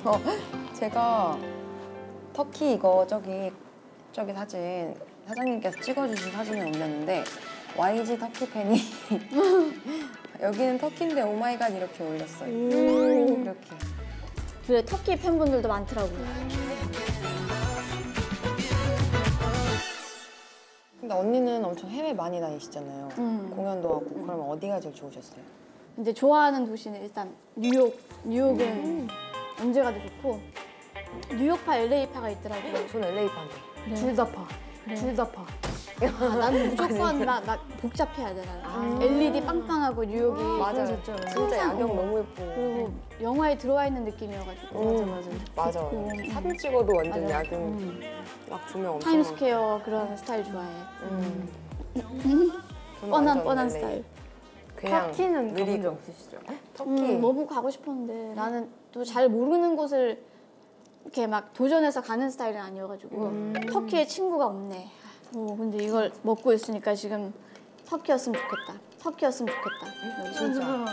제가 터키 이거 저기 사진 사장님께서 찍어주신 사진을 올렸는데 YG 터키 팬이 여기는 터키인데 오마이갓 이렇게 올렸어요. 이렇게. 그래, 터키 팬분들도 많더라고요. 근데 언니는 엄청 해외 많이 다니시잖아요. 공연도 하고. 그러면 어디가 제일 좋으셨어요? 근데 좋아하는 도시는 일단 뉴욕은 언제 가도 좋고 뉴욕파, LA파가 있더라고요. 저는 LA파인데. 그래. 둘 다 파. 그래. 둘 다 파. 나는 무조건 막 복잡해야 돼. 나는. LED 빵빵하고 뉴욕이. 맞아요. 진짜 야경 어. 너무 예쁘고. 그리고 영화에 들어와 있는 느낌이어가지고. 맞아. 좋고. 사진 찍어도 완전 맞아. 야경. 막 조명 엄청. 타임스퀘어 그런 스타일 좋아해. 저는 뻔한 완전 LA. 스타일. 그냥 터키는 가본 느리고. 적 없으시죠? 터키. 너무 가고 싶었는데 나는 또 잘 모르는 곳을 이렇게 막 도전해서 가는 스타일은 아니어가지고 터키에 친구가 없네. 근데 이걸 먹고 있으니까 지금 터키였으면 좋겠다. 터키였으면 좋겠다. 진짜.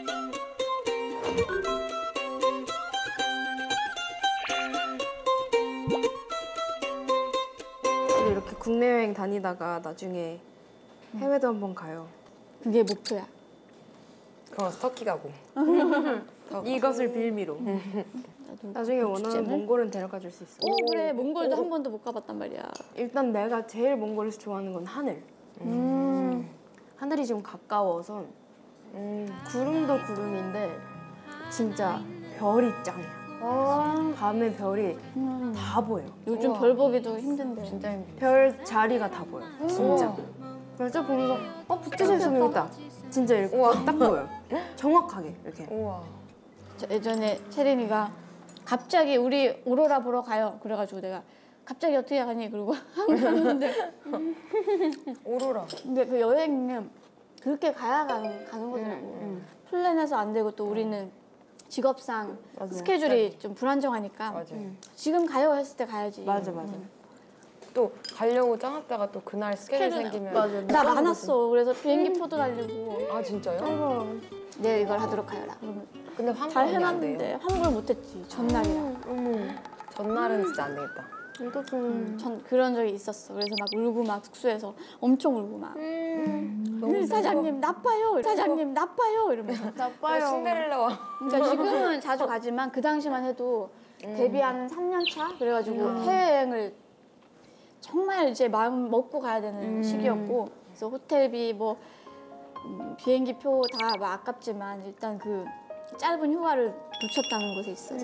이렇게 국내 여행 다니다가 나중에 해외도 한번 가요. 그게 목표야. 그럼 터키 가고. 이것을 빌미로. 나중에 원하는 축제는? 몽골은 데려가 줄 수 있어. 그래. 몽골도 한 번도 못 가봤단 말이야. 일단 내가 제일 몽골에서 좋아하는 건 하늘. 하늘이 지금 가까워서 구름도 구름인데 진짜 별이 짱이야. 밤에 별이 다 보여. 요즘 별 보기도 힘든데. 진짜 힘들어. 별 자리가 다 보여. 진짜. 그래서 보면서 북두신 섬 있다. 진짜 이렇게 딱 보여. 정확하게 이렇게. 우와. 예전에 채린이가 갑자기 우리 오로라 보러 가요. 그래가지고 내가 갑자기 어떻게 가니? 그러고 갔는데 오로라. 근데 그 여행은 그렇게 가야 가는 거더라고. 플랜해서 안 되고 또 우리는 직업상 스케줄이 좀 불안정하니까 맞아요. 지금 가요 했을 때 가야지. 맞아. 또 가려고 짜놨다가 또 그날 스케줄 생기면. 나 많았어. 그래서 비행기 표도 달리고 아 진짜요? 내가 이걸 하도록 하여라. 그러면 근데 환불 잘 안 돼요? 해놨는데 환불 못했지. 전날이라. 전날은 진짜 안 되겠다. 전 그런 적이 있었어. 그래서 막 울고 막 숙소에서 엄청 울고 막 사장님 나빠요. 사장님 나빠요. 이러면서 나빠요. 신데렐라와. 그러니까 지금은 자주 가지만 그 당시만 해도 데뷔하는 3년 차 그래가지고 해외여행을 정말 이제 마음 먹고 가야 되는 시기였고 그래서 호텔비 뭐 비행기 표 다 막 아깝지만 일단 그 짧은 휴가를 놓쳤다는 것에 있어서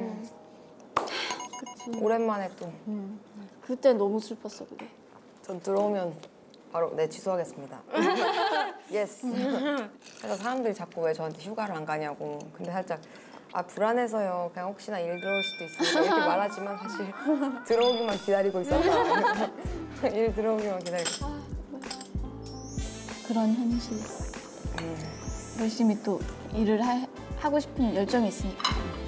오랜만에 또. 그때 너무 슬펐어 그게. 전 들어오면 바로 네 취소하겠습니다. 예스. 그래서 사람들이 자꾸 왜 저한테 휴가를 안 가냐고. 근데 살짝 불안해서요. 그냥 혹시나 일 들어올 수도 있으니까 이렇게 말하지만 사실 들어오기만 기다리고 있었다. 일 들어오기만 기다리고. 그런 현실. 열심히 또 일을 하고 싶은 열정이 있으니까.